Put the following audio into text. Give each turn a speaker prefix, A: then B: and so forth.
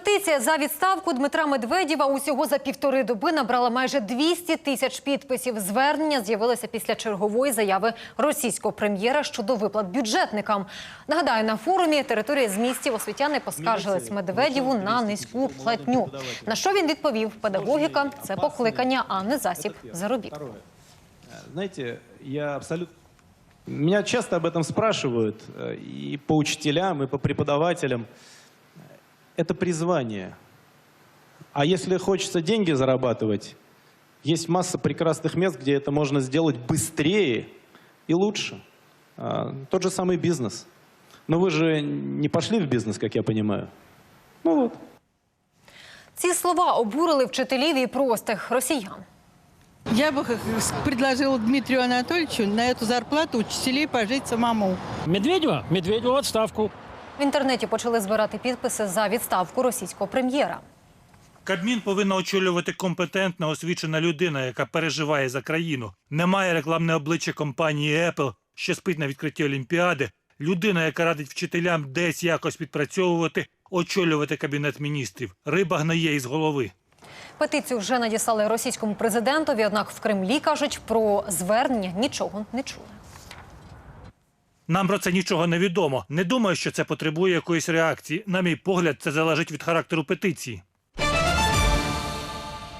A: Петиція за відставку Дмитра Медведєва усього за півтори доби набрала майже 200 тисяч підписів. Звернення з'явилося після чергової заяви російського прем'єра щодо виплат бюджетникам. Нагадаю, на форумі території змістів освітяни поскаржились Медведєву на низьку платню. На що він відповів: педагогіка – це покликання, а не засіб заробітку.
B: Знаете, Меня часто об этом спрашивают и по учителям, и по преподавателям. Это призвание. А если хочется деньги зарабатывать, есть масса прекрасных мест, где это можно сделать быстрее и лучше. Тот же самый бизнес. Но вы же не пошли в бизнес, как я понимаю. Ну вот.
A: Ці слова обурили вчителів і простих росіян.
C: Я бы предложила Дмитрию Анатольевичу на эту зарплату учителей пожить самому.
D: Медведєва? Медведєва в відставку.
A: В інтернеті почали збирати підписи за відставку російського прем'єра.
E: Кабмін повинна очолювати компетентна, освічена людина, яка переживає за країну. Немає рекламне обличчя компанії Apple, що спить на відкритті Олімпіади. Людина, яка радить вчителям десь якось відпрацьовувати, очолювати Кабінет міністрів. Риба гниє із голови.
A: Петицію вже надіслали російському президентові, однак в Кремлі, кажуть, про звернення нічого не чули.
E: Нам про це нічого не відомо. Не думаю, що це потребує якоїсь реакції. На мій погляд, це залежить від характеру петиції.